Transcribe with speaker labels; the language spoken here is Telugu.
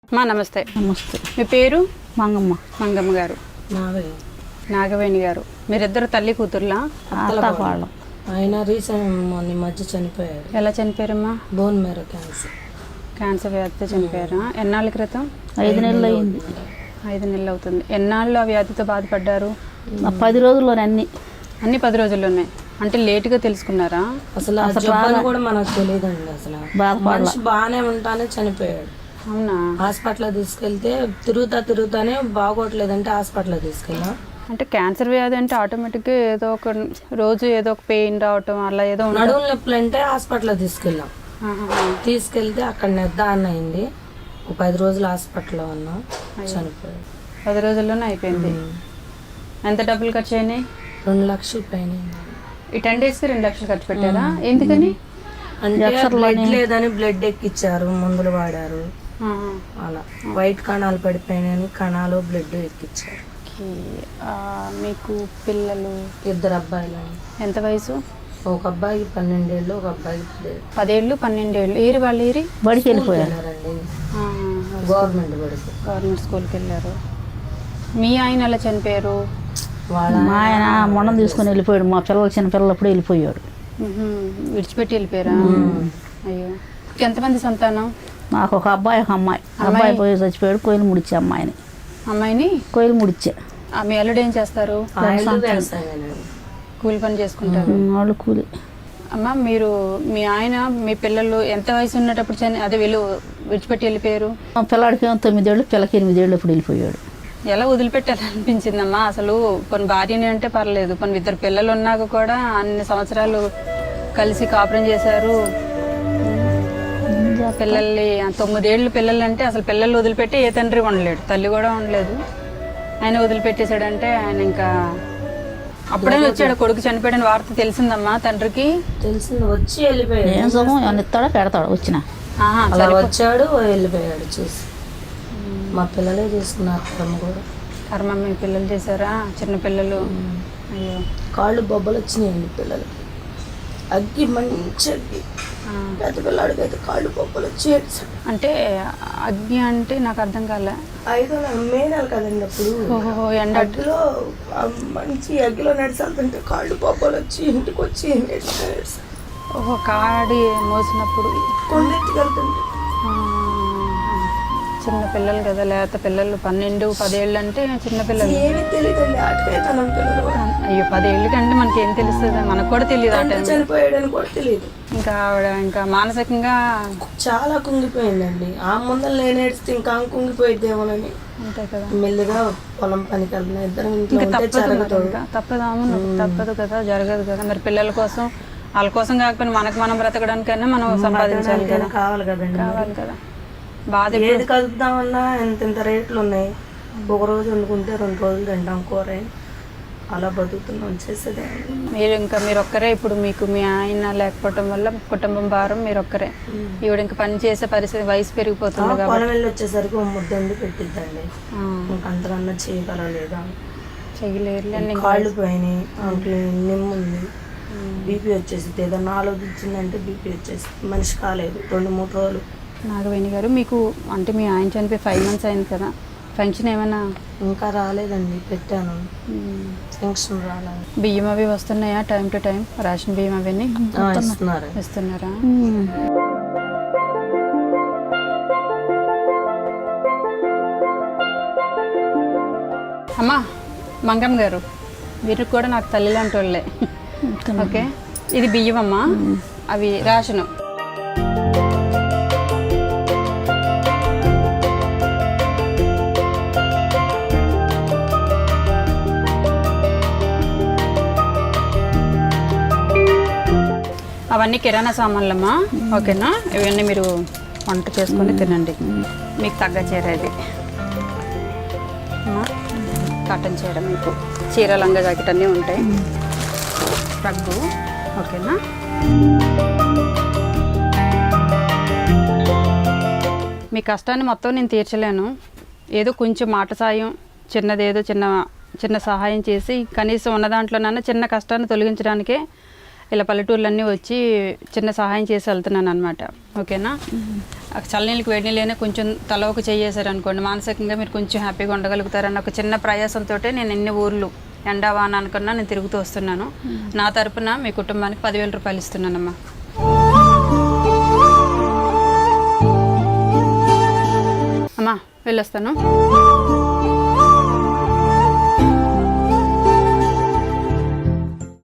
Speaker 1: మా నమస్తే.
Speaker 2: నమస్తే.
Speaker 1: మీ పేరు?
Speaker 2: మంగమ్మ.
Speaker 1: మంగమ్మ గారు. నాగవేణి గారు. మీరిద్దరు తల్లి కూతుర్లా?
Speaker 2: అత్తపాళ్ళం.
Speaker 3: ఆయన రీసెంట్ మధ్య చనిపోయారు.
Speaker 1: ఎలా చనిపోయారమ్మా?
Speaker 3: Bone marrow cancer.
Speaker 1: క్యాన్సర్ వ్యాధితో చనిపోయారా? ఎన్నాళ్ళ క్రితం?
Speaker 2: 5 నెలలు అయింది.
Speaker 1: 5 నెలలు అవుతుంది. ఎన్నాళ్ళు ఆ వ్యాధితో బాధపడ్డారు?
Speaker 2: 10 రోజుల్లోనే
Speaker 1: అన్ని 10 రోజుల్లోనే. అంటే లేటుగా తెలుసుకున్నారా?
Speaker 3: అసలు కూడా మనకు తెలియదండి. అసలు మనిషి బాగానే ఉంటానే చనిపోయాడు.
Speaker 1: అవునా?
Speaker 3: హాస్పిటల్ తీసుకెళ్తే తిరుగుతానే బాగోట్లేదంటే హాస్పిటల్ తీసుకెళ్ళాం.
Speaker 1: అంటే క్యాన్సర్ వ్యాధి అంటే ఆటోమేటిక్గా ఏదో ఒక రోజు ఏదో ఒక పెయిన్ రావటం అలా ఏదో
Speaker 3: నడుము నొప్పులు అంటే హాస్పిటల్ తీసుకెళ్ళాం. తీసుకెళ్తే అక్కడ నిర్ధారణ అయింది. 10 రోజులు హాస్పిటల్లో ఉన్నాం, చనిపోయాడు.
Speaker 1: 10 రోజుల్లోనే అయిపోయింది. ఎంత డబ్బులు ఖర్చు అయినాయి?
Speaker 3: 2 లక్షల పైన.
Speaker 1: ఈ 10 డేస్కి 2 లక్షలు ఖర్చు పెట్టారా? ఎందుకని?
Speaker 3: అంటే బ్లడ్ లేదని బ్లడ్ ఎక్కిచ్చారు, మందులు వాడారు. అలా వైట్ కణాలు పడిపోయినాయని కణాలు బ్లడ్ ఎక్కిచ్చారు.
Speaker 1: మీకు పిల్లలు?
Speaker 3: 2 అబ్బాయిలు.
Speaker 1: ఎంత వయసు?
Speaker 3: ఒక అబ్బాయికి 12 ఏళ్ళు, ఒక అబ్బాయికి
Speaker 1: 10 ఏళ్ళు 12 ఏళ్ళు. ఏరి వాళ్ళు ఏరి
Speaker 2: బడికి వెళ్ళిపోయారండి.
Speaker 1: గవర్నమెంట్ స్కూల్కి వెళ్ళారు. మీ ఆయన ఎలా చనిపోయారు?
Speaker 2: మా ఆయన మొండం తీసుకొని వెళ్ళిపోయాడు. మా పిల్లలు చిన్న పిల్లలు అప్పుడు వెళ్ళిపోయాడు.
Speaker 1: విడిచిపెట్టి వెళ్ళిపోయారా? అయ్యో. ఎంతమంది సంతానం?
Speaker 2: నాకు ఒక అబ్బాయి, ఒక అమ్మాయి. అబ్బాయి పోయి చచ్చిపోయాడు. కోయిలు ముడిచే
Speaker 1: అమ్మాయిని
Speaker 2: కోయిలు ముడిచే.
Speaker 1: మీ అల్లుడు ఏం చేస్తారు? కూలి పని చేసుకుంటారు.
Speaker 2: వాళ్ళు కూలి.
Speaker 1: అమ్మ, మీరు మీ ఆయన మీ పిల్లలు ఎంత వయసు ఉన్నప్పుడు అదే విడిచిపెట్టి వెళ్ళిపోయారు?
Speaker 2: మా పిల్లాడికి 9 ఏళ్ళు, పిల్లకి 8 ఏళ్ళు అప్పుడు వెళ్ళిపోయాడు.
Speaker 1: ఎలా వదిలిపెట్టాలనిపించిందమ్మా? అసలు కొన్ని భార్యని అంటే పర్లేదు, కొన్ని 2 పిల్లలు ఉన్నాక కూడా అన్ని సంవత్సరాలు కలిసి కాపురం చేశారు. పిల్లల్ని 9 ఏళ్ళు పిల్లలు అంటే అసలు పిల్లలు వదిలిపెట్టి ఏ తండ్రి ఉండలేడు, తల్లి కూడా ఉండలేదు. ఆయన వదిలిపెట్టేశాడంటే ఆయన ఇంకా అప్పుడే వచ్చాడు. కొడుకు చనిపోయాడని వార్త తెలిసిందమ్మా తండ్రికి?
Speaker 3: తెలిసింది. వచ్చి వెళ్ళిపోయాడు.
Speaker 2: ఏం సుఖం ఏమన్నా ఇస్తాడో పెడతాడు. వచ్చిన
Speaker 3: వచ్చాడు, వెళ్ళిపోయాడు. చూసి మా పిల్లలే చేసుకున్నారు. కర్మ కూడా.
Speaker 1: కర్మ మీ పిల్లలు చేశారా? చిన్న పిల్లలు. అయ్యో.
Speaker 3: కాళ్ళు బొబ్బలు వచ్చినాయండి పిల్లలకి. అగ్గి మంచి అగ్గి. పెద్ద పిల్లాడికి అయితే కాళ్ళు బొబ్బలు వచ్చి.
Speaker 1: అంటే అగ్గి అంటే నాకు అర్థం కాలే.
Speaker 3: 5 మే నెల కదండి అప్పుడు. అగ్గిలో మంచి అగ్గిలో నడిచాలంటే కాళ్ళు బొబ్బలు వచ్చి ఇంటికి వచ్చి
Speaker 1: ఓహో, కాడి మోసినప్పుడు
Speaker 3: కొండెత్తికెళ్తుంటే.
Speaker 1: చిన్న పిల్లలు కదా, లేత పిల్లలు 12, 10 ఏళ్ళు అంటే చిన్న పిల్లలు.
Speaker 3: ఏమీ తెలియదండి.
Speaker 1: అయ్యో, 10 ఏళ్ళకి అంటే మనకి ఏం తెలుస్తుంది? మనకు కూడా తెలియదు. ఆ టైం
Speaker 3: చనిపోయాడని కూడా తెలియదు.
Speaker 1: ఇంకా ఆవిడ ఇంకా మానసికంగా చాలా
Speaker 3: కుంగిపోయిందండి. ఆ ముందర నేనేడిస్తే ఇంకా కుంగిపోయిద్దేమోనని.
Speaker 1: అంతే కదా.
Speaker 3: మెల్లిగా పొలం పనికి వెళ్తున్నా. ఇద్దరు
Speaker 1: తప్పదు కదా, జరగదు కదా. మరి పిల్లల కోసం, వాళ్ళ కోసం కాకపోయినా మనకు మనం బ్రతకడానికైనా మనం సంపాదించాలి కదా.
Speaker 3: కావాలి కదండి.
Speaker 1: కావాలి కదా. బాధ
Speaker 3: ఏది కలుపుదామన్నా ఎంత రేట్లు ఉన్నాయి. ఒక రోజు వండుకుంటే 2 రోజులు తింటాం కూర. అలా బతుకుతున్నాం. చేసేదే.
Speaker 1: మీరు ఒక్కరే. ఇప్పుడు మీకు మీ ఆయన లేకపోవటం వల్ల కుటుంబం భారం మీరు ఒక్కరే. ఈవిడ ఇంకా పని చేసే పరిస్థితి, వయసు పెరిగిపోతుంది కదా.
Speaker 3: పొలం వెళ్ళి వచ్చేసరికి ముద్దండి పెట్టిద్దండి. అంతకన్నా చేయగలలేదా?
Speaker 1: చేయలేరు.
Speaker 3: కాళ్ళు పోయినాయి, నిమ్ముంది, బీపీ వచ్చేసి ఏదన్నా ఆలోచించిందంటే బీపీ వచ్చేసి మనిషి కాలేదు 2-3 రోజులు.
Speaker 1: నాగవేణి గారు, మీకు అంటే మీ ఆయన చనిపోయి 5 months అయింది కదా, పెన్షన్ ఏమైనా?
Speaker 3: ఇంకా రాలేదండి. పెట్టాను, పెన్షన్ రాలేదు.
Speaker 1: బియ్యం అవి వస్తున్నాయా టైం టు టైం? రేషన్ బియ్యం అవన్నీ ఇస్తున్నారా? అమ్మా మంగమ్మ గారు, మీరు కూడా నాకు తల్లి లాంటి వాళ్ళే. ఓకే, ఇది బియ్యం అమ్మా, అవి రేషను. అవన్నీ కిరాణా సామాన్లమ్మా. ఓకేనా? ఇవన్నీ మీరు వంట చేసుకొని తినండి. మీకు తగ్గ చీర ఇది కాటన్ చీర, మీకు చీర లంగా జాకెట్ అన్నీ ఉంటాయి. రగ్గు. ఓకేనా? మీ కష్టాన్ని మొత్తం నేను తీర్చలేను. ఏదో కొంచెం మాట సాయం, చిన్నదేదో చిన్న సహాయం చేసి కనీసం ఉన్న దాంట్లోనైనా చిన్న కష్టాన్ని తొలగించడానికే ఇలా పల్లెటూర్లన్నీ వచ్చి చిన్న సహాయం చేసి వెళ్తున్నాను అనమాట. ఓకేనా? చల్లనీళ్ళకి వేడి నీళ్ళైనా కొంచెం తల ఒక చేసారనుకోండి, మానసికంగా మీరు కొంచెం హ్యాపీగా ఉండగలుగుతారన్న ఒక చిన్న ప్రయాసంతో నేను ఎన్ని ఊర్లు ఎండా వాన అనుకున్నా నేను తిరుగుతూ వస్తున్నాను. నా తరపున మీ కుటుంబానికి 10,000 రూపాయలు ఇస్తున్నానమ్మా. అమ్మా వెళ్ళొస్తాను.